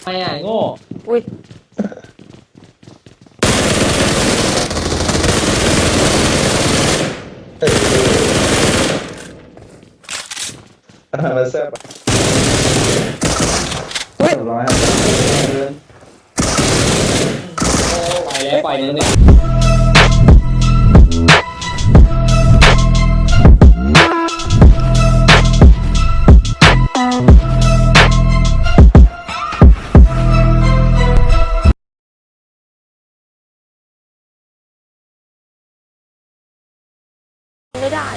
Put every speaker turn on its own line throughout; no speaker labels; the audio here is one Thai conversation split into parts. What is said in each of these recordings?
ไม่อ่ะโง่
อุ้ย
มันแซ่บ
อุ้ย
ร้อย
ไปแล้วปล่อยนึงเนี่ย
ไม่ได้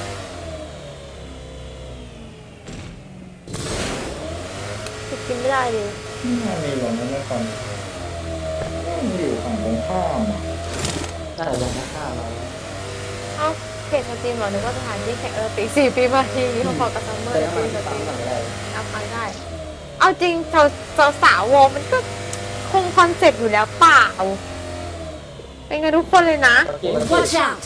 กินไม่ได้เลย
มีหลงนั่นไม่ฟังอยู่ฝั่งตรงข้าม
น่าจะลงข้าวเรา
เอ้าเพจสตรีมเหรอนึกว่าสถานที่แข่งปี4 ปีมาทีนี้เขาบอกกับซัมเมอร์ในปีสตรีมเอาไปได้เอาจริงสาววงมันก็คงคอนเซ็ปต์อยู่แล้วเปล่าเป็นไงทุกคนเลยนะ
Watch out!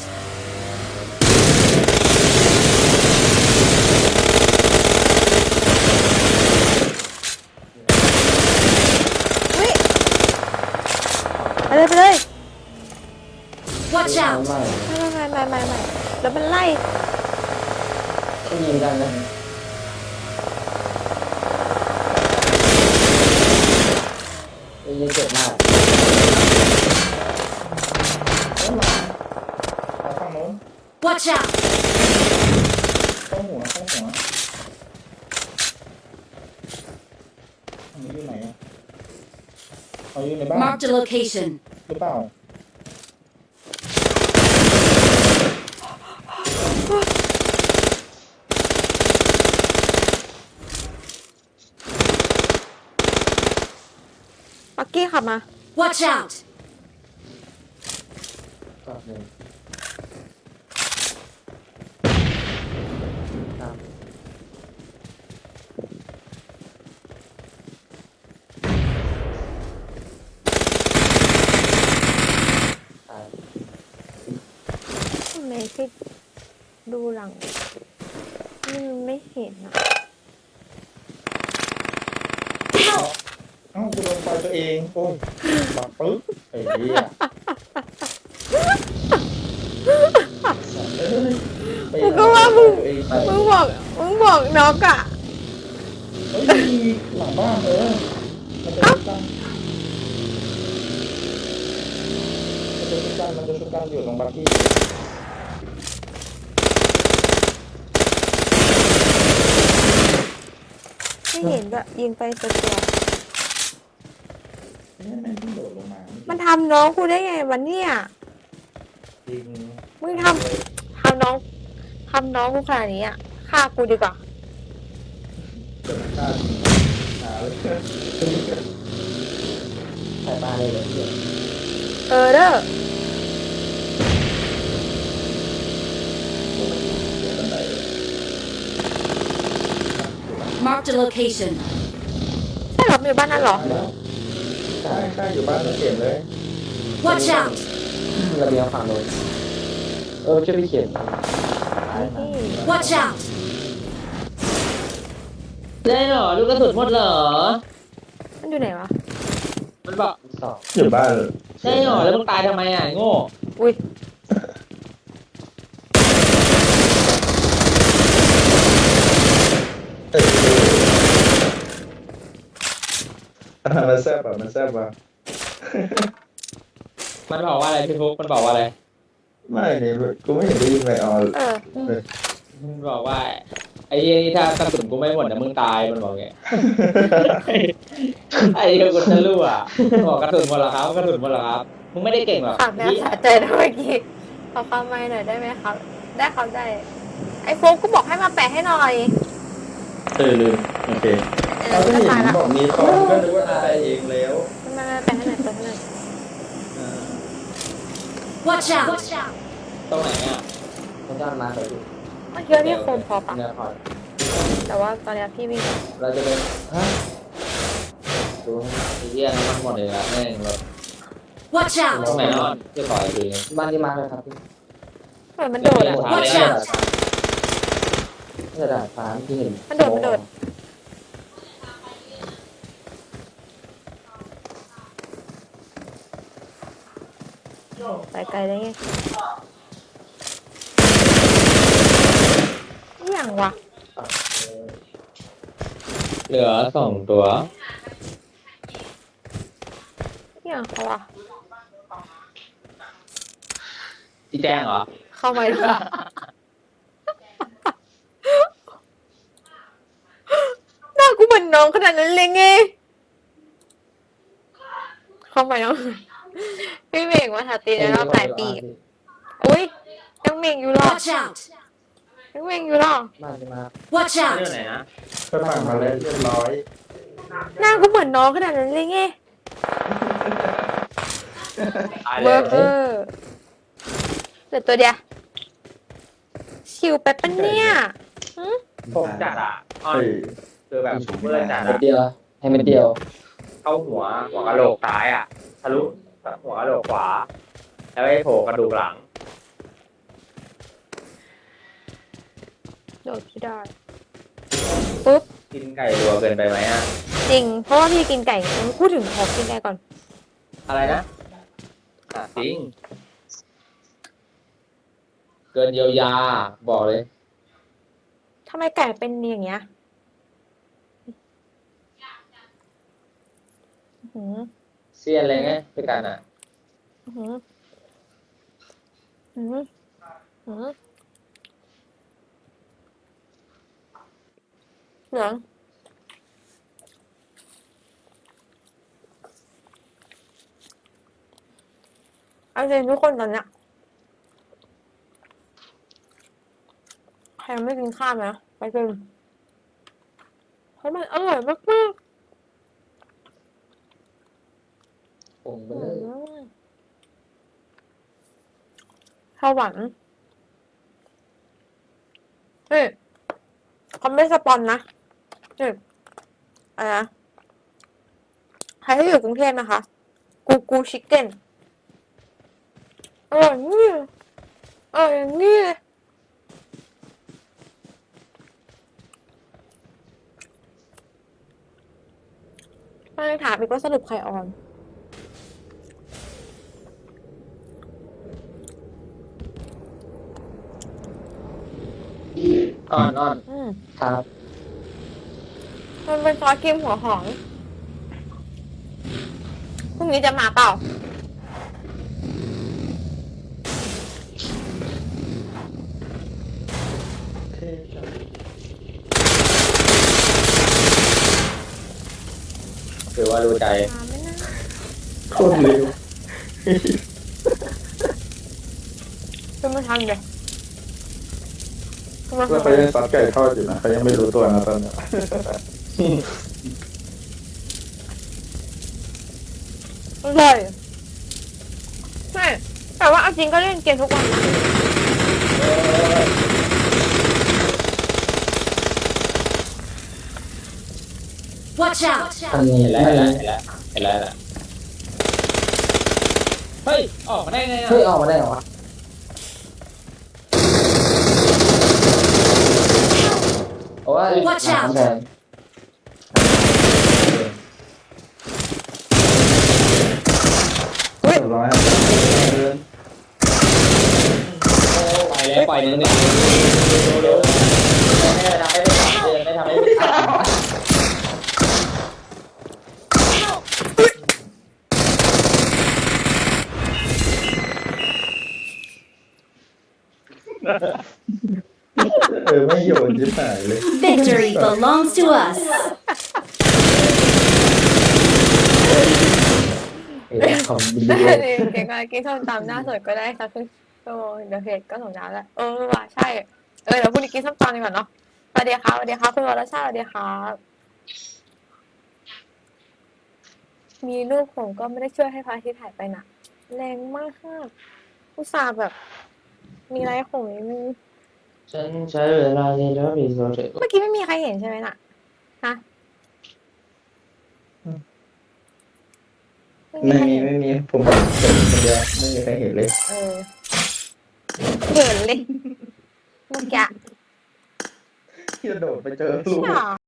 เฮ้ยไปเลยไปเลย
Watch out!
ไม่แล้วมันไล่
ก็ยิงกันนะยิงเจ็บมาก
ข้างโน้น
Watch out!
เข้าหัวอันนี้อยู่ไหนอ่ะเขาอยู่ในบ้าน
Marked a location.
หรือเปล่า
ปักกี้ขับมา
Watch out!
ก็หนึ่งครับตาย
ทำไมพี่ดูหลังมันไม่เห็นอะ
เอ้ากูโดนไฟตัวเองโอ้ยปักปึ๊บไอ้เหี้ย
มึงก็ว่ามึงบอกน็อกอะ
เฮ้ยมีหลังบ้านมันจะชุบกันอยู่ตรงบักกี้
ไม่เห็นแบบยิงไปตัว
นี่แม่งเพิ่งโดดลงมา
มันทำน้องกูได้ไงวันเนี้ย
จริง
มึงทำน้องกูขนาดนี้อะฆ่ากูดีกว่า
เกิดฆ่าหาเลย
ใส่ปลาเลยเหรอเพื่อน
เด้อ
Marked a location.
ใช่เหรอมันอยู่บ้านนั้นเหรอ
ใช่อยู่บ้านเราเก็บเลย
Watch out!
ระเบียงฝั่งโน้นช่วยพี่เขียน
นี่
Watch out!
ได้เหรอลูกกระสุนหมดเหรอ
มันอยู่ไหนวะ
มันบอกสอง
อยู่บ้าน
ได้เหรอแล้วมึงตายทำไมอ่ะโง่
อุ้ย
มันแซ่บอ่ะมัน
บอกว่าอะไรพี่ฟุกมันบอกว่าอะไร
ไม่เนี่ยกูไม่เห็นได้ยินเลยอ๋อ
มันบอกว่าไอ้เหี้ยนี่ถ้ากระสุนกูไม่หมดนะมึงตายมันบอกไงไอ้เหี้ยกูจะรู้อ่ะบอกกระสุนหมดเหรอครับกระสุนหมดเหรอครับมึงไม่ได้เก่งหรอก
ฝากแม่สะใจนะเมื่อกี้ขอความไม่หน่อยได้ไหมครับ ได้ครับได้ ไอ้โฟกก็บอกให้มาแปะให้หน่อย
ลืมโอเคเราก็เห็นบอกมีคอมก็นึกว่าตายเองแล้ว
มาแปะให้หน่อยแปะให้หน่อย
Watch out!
ตรงไหนอ่ะมันจะมาไปดู
เมื่อกี้พี่โคมพอปะ
เนี่ยพอ
แต่ว่าตอนนี้พี่วิ่ง
เราจะเป็นดูไอ้เหี้ยน้ำมันหมดเลยละแม่งแบบ
Watch
ตรง
out!
ไหนนอนจะต่อยดูบ้านที่มาเลยครับพี่
เหมือนมันโดดอะ
Watch out!
กระดาษฟ้าที่เห็น
มันโดดไกลๆได้ไงอย่างวะ
เหลือ2 ตัว
อย่างเขาวะ
ที่แจ้งเหรอ
เข้าไปด้วยหน้ากูเหมือนน้องขนาดนั้นเลยไงเข้าไปน้องพี่เมฆมาถาตีในรอบหลายปีอุ้ยยังเมฆอยู่หรอ
Watch out!
ยังเมฆอยู่หรอ
มาจะมา
Watch
เรื่อง
out!
ไหนนะ
ก็สั่งมาแล้วเรียบร้อย
หน้ากูเหมือนน้องขนาดนั้นเลยไง
ตาย
เว
เล
อย ร์เออเหลือตัวเดียวชิวไปปะเนี่ยหึ
ผมจัดอ่ะอ้อน
เฮ้ย
คือแบบเมื่อจัด
เม็ด
อ่ะ
เดียวให้เม็ดเดียว
เข้าหัวกะโหลกซ้ายอ่ะทะลุหัวกะโหลกขวา แล้วไอ้โผล่กระดูกหลัง
โดดพี่ได้ปุ๊บ
กินไก่รัวเกินไปไหมอ่ะ
จริง เพราะว่าพี่กินไก่พูดถึงขอกินไก่ก่อน
อะไรนะจริง เกินเยียวยา บอกเลย
ทำไมไก่เป็นอย่างเงี้ยอื้อหือ
เสียนอะไรไงด้วยกันอ่ะ
อื้อหืออื้อหืออื้อหือเหลืองเอาจริงทุกคนตอนเนี้ยใครยังไม่กินข้าวนะไปกินเพราะมันอร่อยมาก
ปรุง
ๆ
ไปเลย
ข้าวหวานเฮ้ยเขาไม่สปอนนะนี่อะไรนะใครที่อยู่กรุงเทพนะคะ กูชิคเก้นอร่อยนี่อร่อยอย่างนี้เลยมาถามอีกว่าสรุปใครออน
อ่อน
อืม
ครับ
มันเป็นซอสครีมหัวหอมพรุ่งนี้จะมาเปล่า
เท่จัง
ถือว่ารู้ใจ
มาไม่น่า
โคตรเร็ว
เป็นมาทำเลยเป็นมา
แล้ว
ทำ
เขายังซัดไก่ทอดอยู่นะเขายังไม่รู้ตัวนะตอนเนี้ย
อร่อยใช่แต่ว่าเอาจริงก็เล่นเกมทุกวันนะ
Watch out!
อันนี้
เห็นแล้ว
ไม่
เห็นแล้วเฮ้ย ออกมาได้ไงอ่ะ
เฮ้ยออกมาได้เหรอวะโอ้ย
Watch
หลัง
out
กำแพง
เรียบร้อยครับเดิน
ไปแล้วปล่อยนึงเนี่ยเร็วไม่ทำให้ไม่ทำให้ไม่ทำ
ไม่โยนยิบหายเลย
Victory belongs to us.
เอ้ยของดี
ได้
เลย
เลยเก่งอะไรกินส้มตำหน้าสดก็ได้สักครึ่งชั่วโมงเดี๋ยวเพจก็ส่งน้ำแล้วว่ะใช่เดี๋ยวพรุ่งนี้กินส้มตำดีกว่าเนาะสวัสดีครับสวัสดีครับคุณวรชาติสวัสดีครับมีลูกผมก็ไม่ได้ช่วยให้พระอาทิตย์หายไปนะแรงมากอุตส่าห์แบบ มีไรของนิดนึง
ฉันใช้เวลาในรอบรีสอร์ท
เมื่อกี้ไม่มีใครเห็นใช่ไหมน่ะฮะ
ไม่มีผมเห็นคนเดียวไม่มีใครเห็นเลย
เออเห็นเลยเมื่อกี้
ที่จะโดดไปเจอลูก
ใช่